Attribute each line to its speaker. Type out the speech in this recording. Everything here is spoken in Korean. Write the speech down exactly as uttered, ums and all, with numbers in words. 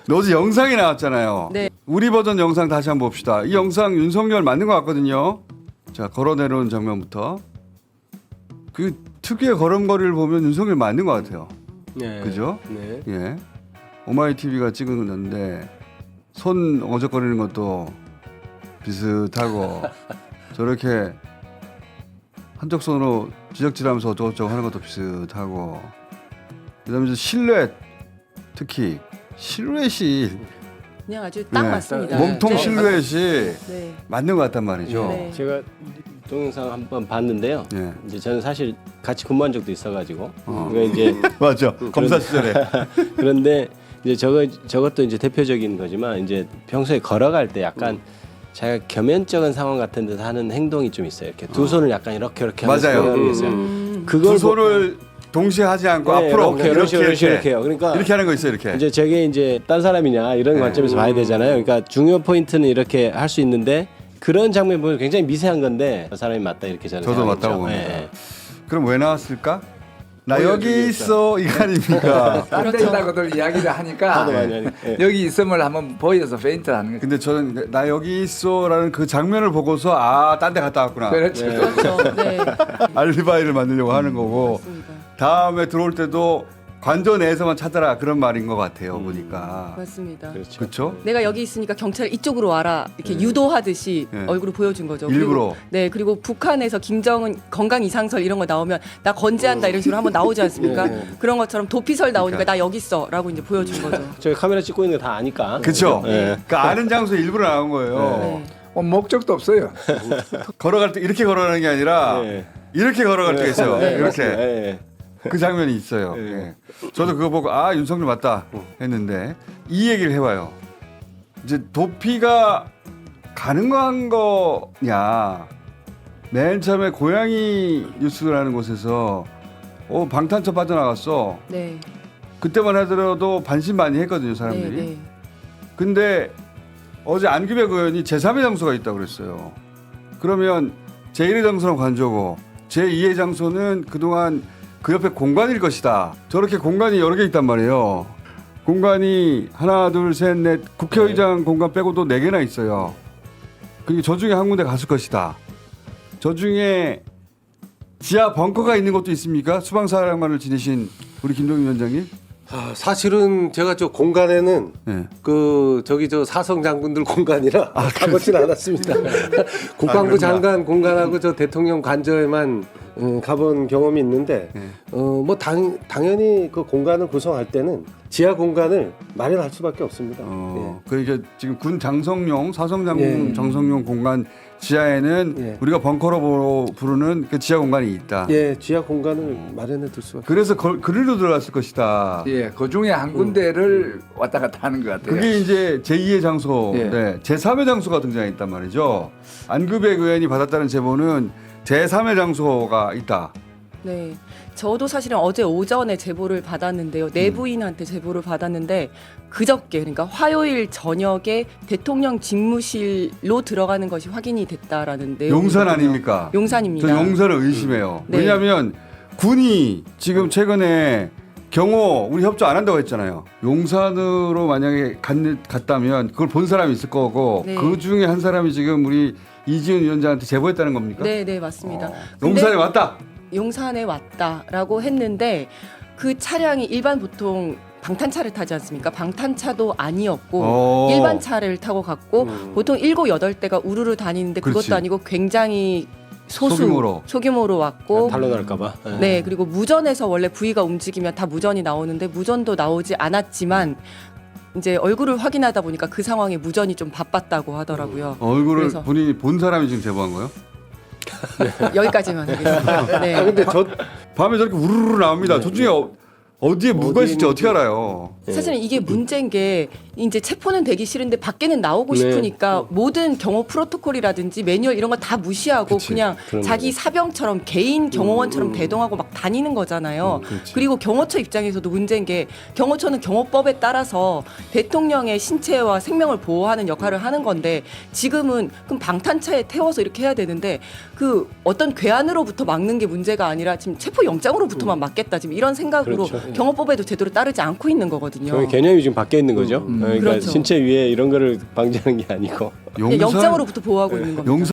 Speaker 1: 어제 영상이 나왔잖아요.
Speaker 2: 네.
Speaker 1: 우리 버전 영상 다시 한번 봅시다. 이 영상 윤석열 맞는 것 같거든요. 자, 걸어 내려오는 장면부터. 그 특유의 걸음걸이를 보면 윤석열 맞는 것 같아요.
Speaker 3: 네.
Speaker 1: 그죠?
Speaker 3: 네.
Speaker 1: 예. 오마이티비가 찍은 건데 손 어적거리는 것도 비슷하고 저렇게 한쪽 손으로 지적질하면서 어쩌고저쩌고 하는 것도 비슷하고 그다음에 이제 실루엣 특히 실루엣이
Speaker 2: 그냥 아주 딱
Speaker 1: 네.
Speaker 2: 맞습니다.
Speaker 1: 몸통
Speaker 2: 네.
Speaker 1: 실루엣이
Speaker 2: 네.
Speaker 1: 맞는 것 같단 말이죠.
Speaker 2: 네.
Speaker 3: 제가 동영상 한번 봤는데요.
Speaker 1: 예.
Speaker 3: 이제 저는 사실 같이 근무한 적도 있어가지고
Speaker 1: 어.
Speaker 3: 그러니까 이제
Speaker 1: 맞죠. 검사 시절에.
Speaker 3: 그런데 이제 저거 저것도 이제 대표적인 거지만 이제 평소에 걸어갈 때 약간
Speaker 1: 음.
Speaker 3: 자기가 겸연쩍은 상황 같은 데서 하는 행동이 좀 있어요. 이렇게 두 손을 약간 이렇게 이렇게 하면서
Speaker 1: 맞아요.
Speaker 3: 걸어가는 게 있어요.
Speaker 2: 음.
Speaker 3: 그걸
Speaker 1: 두 손을 동시에 하지 않고
Speaker 3: 네,
Speaker 1: 앞으로
Speaker 3: 이렇게, 이렇게, 이렇게, 이렇게 해요. 그러니까
Speaker 1: 이렇게 하는 거 있어요. 이렇게.
Speaker 3: 이제 저게 이제 딴 사람이냐 이런
Speaker 1: 네.
Speaker 3: 관점에서 봐야 되잖아요. 그러니까 중요 포인트는 이렇게 할 수 있는데 그런 장면 보면 굉장히 미세한 건데 저 사람이 맞다 이렇게 저는
Speaker 1: 저도
Speaker 3: 생각했죠.
Speaker 1: 맞다고 봅니다.
Speaker 3: 예.
Speaker 1: 그럼 왜 나왔을까? 나
Speaker 4: 보여주기
Speaker 1: 여기
Speaker 4: 위해서.
Speaker 1: 있어 이거 아닙니까?
Speaker 4: 안 된다고들 이야기를 하니까
Speaker 3: 하도 많이 하니까. 예.
Speaker 4: 여기 있음을 한번 보여서 페인트를 하는 거죠.
Speaker 1: 근데 저는 나 여기 있어라는 그 장면을 보고서 아, 딴 데 갔다 왔구나.
Speaker 4: 그렇죠.
Speaker 3: 네.
Speaker 2: 그렇죠. 네.
Speaker 1: 알리바이를 만들려고 하는 거고
Speaker 2: 맞습니다.
Speaker 1: 다음에 들어올 때도 관저 내에서만 찾아라 그런 말인 것 같아요.
Speaker 3: 음.
Speaker 1: 보니까.
Speaker 2: 맞습니다.
Speaker 3: 그렇죠.
Speaker 1: 그렇죠?
Speaker 2: 내가 여기 있으니까 경찰 이쪽으로 와라 이렇게
Speaker 1: 네.
Speaker 2: 유도하듯이
Speaker 1: 네.
Speaker 2: 얼굴을 보여준 거죠.
Speaker 1: 일부러.
Speaker 2: 그리고, 네 그리고 북한에서 김정은 건강 이상설 이런 거 나오면 나 건재한다 이런 식으로 한번 나오지 않습니까?
Speaker 3: 네, 네.
Speaker 2: 그런 것처럼 도피설 나오니까
Speaker 1: 그러니까.
Speaker 2: 나 여기 있어라고 이제 보여준 거죠.
Speaker 3: 저희 카메라 찍고 있는 거 다 아니까.
Speaker 1: 그렇죠?
Speaker 3: 예.
Speaker 1: 그 아는 장소에 일부러 나온 거예요.
Speaker 2: 네.
Speaker 4: 어, 목적도 없어요.
Speaker 1: 걸어갈 때 이렇게 걸어가는 게 아니라
Speaker 3: 예.
Speaker 1: 이렇게 걸어갈 때가 있어요.
Speaker 3: 네,
Speaker 1: 이렇게.
Speaker 3: 맞습니다. 예.
Speaker 1: 그 장면이 있어요.
Speaker 3: 네.
Speaker 1: 예. 저도 그거 보고 아 윤석열 맞다 했는데 이 얘기를 해봐요. 이제 도피가 가능한 거냐? 맨 처음에 고양이 뉴스라는 곳에서 어 방탄차 빠져나갔어.
Speaker 2: 네.
Speaker 1: 그때만 하더라도 반신반의했거든요 사람들이.
Speaker 2: 네. 네.
Speaker 1: 근데 어제 안규백 의원이 제삼의 장소가 있다고 그랬어요. 그러면 제일의 장소는 관저고 제이의 장소는 그동안 그 옆에 공간일 것이다. 저렇게 공간이 여러 개 있단 말이에요. 공간이 하나, 둘, 셋, 넷 국회의장 공간 빼고도 네 개나 있어요. 그리고 저 중에 한 군데 갔을 것이다. 저 중에 지하 벙커가 있는 것도 있습니까? 수방사령관을 지내신 우리 김동인 위원장님?
Speaker 5: 아, 사실은 제가 저 공간에는
Speaker 1: 네.
Speaker 5: 그 저기 저 사성 장군들 공간이라 가보진 않았습니다. 국방부
Speaker 1: 아,
Speaker 5: 장관 공간하고 저 대통령 관저에만 음, 가본 경험이 있는데
Speaker 1: 네.
Speaker 5: 어뭐 당연히 그 공간을 구성할 때는 지하 공간을 마련할 수밖에 없습니다.
Speaker 1: 어, 그러니까 지금 군 장성용 사성 장군
Speaker 5: 예.
Speaker 1: 장성용 공간 지하에는
Speaker 5: 예.
Speaker 1: 우리가 벙커로 부- 부르는 그 지하 공간이 있다.
Speaker 5: 예, 예, 지하 공간을 마련해 둘 수밖에.
Speaker 1: 그래서 거, 그리로 들어갔을 것이다.
Speaker 4: 예, 그 중에 한 군데를 왔다 갔다 하는 것 같아요.
Speaker 1: 그게 이제 제이의 장소,
Speaker 4: 예.
Speaker 1: 네, 제삼의 장소가 등장했단 말이죠. 안규백 의원이 받았다는 제보는 제삼의 장소가 있다.
Speaker 2: 네. 저도 사실은 어제 오전에 제보를 받았는데요. 내부인한테 제보를 받았는데 그저께 그러니까 화요일 저녁에 대통령 집무실로 들어가는 것이 확인이 됐다라는 내용.
Speaker 1: 용산 아닙니까?
Speaker 2: 용산입니다.
Speaker 1: 저 용산을 의심해요.
Speaker 2: 네.
Speaker 1: 왜냐하면 군이 지금 최근에 경호 우리 협조 안 한다고 했잖아요. 용산으로 만약에 갔, 갔다면 그걸 본 사람이 있을 거고
Speaker 2: 네.
Speaker 1: 그 중에 한 사람이 지금 우리 이지은 위원장한테 제보했다는 겁니까?
Speaker 2: 네, 네, 맞습니다.
Speaker 1: 어,
Speaker 2: 근데
Speaker 1: 용산에 왔다.
Speaker 2: 용산에 왔다라고 했는데 그 차량이 일반 보통 방탄차를 타지 않습니까? 방탄차도 아니었고
Speaker 1: 어.
Speaker 2: 일반 차를 타고 갔고
Speaker 5: 음.
Speaker 2: 보통 일곱 여덟 대가 우르르 다니는데
Speaker 1: 그렇지.
Speaker 2: 그것도 아니고 굉장히 소수
Speaker 1: 소규모로.
Speaker 2: 소규모로 왔고
Speaker 3: 탈로 날까봐. 예.
Speaker 2: 네, 그리고 무전에서 원래 부위가 움직이면 다 무전이 나오는데 무전도 나오지 않았지만 이제 얼굴을 확인하다 보니까 그 상황에 무전이 좀 바빴다고 하더라고요.
Speaker 1: 얼굴을
Speaker 2: 그래서-
Speaker 1: 본인이 본 사람이 지금 제보한 거예요?
Speaker 2: 여기까지만 하겠습니다. 네.
Speaker 5: 아 근데 저
Speaker 1: 밤에 저렇게 우르르 나옵니다. 저 중에 어, 어디에 누가 있을지 어떻게 알아요?
Speaker 2: 사실은 이게 문제인 게 이제 체포는 되기 싫은데 밖에는 나오고
Speaker 3: 네.
Speaker 2: 싶으니까 모든 경호 프로토콜이라든지 매뉴얼 이런 거 다 무시하고
Speaker 1: 그치.
Speaker 2: 그냥
Speaker 3: 그런
Speaker 2: 자기
Speaker 3: 거죠.
Speaker 2: 사병처럼 개인 경호원처럼 대동하고 막 다니는 거잖아요. 그리고 경호처 입장에서도 문제인 게 경호처는 경호법에 따라서 대통령의 신체와 생명을 보호하는 역할을 하는 건데 지금은 그럼 방탄차에 태워서 이렇게 해야 되는데 그 어떤 괴한으로부터 막는 게 문제가 아니라 지금 체포 영장으로부터만 막겠다 지금 이런 생각으로
Speaker 3: 그렇죠.
Speaker 2: 경호법에도 제대로 따르지 않고 있는 거거든요.
Speaker 3: 그 개념이 지금 바뀌어 있는 거죠.
Speaker 4: 음.
Speaker 3: 그러니까
Speaker 2: 그렇죠.
Speaker 3: 신체 위에 이런 거를 방지하는 게 아니고
Speaker 2: 그냥 영장으로부터 보호하고 있는 겁니다.
Speaker 1: 용산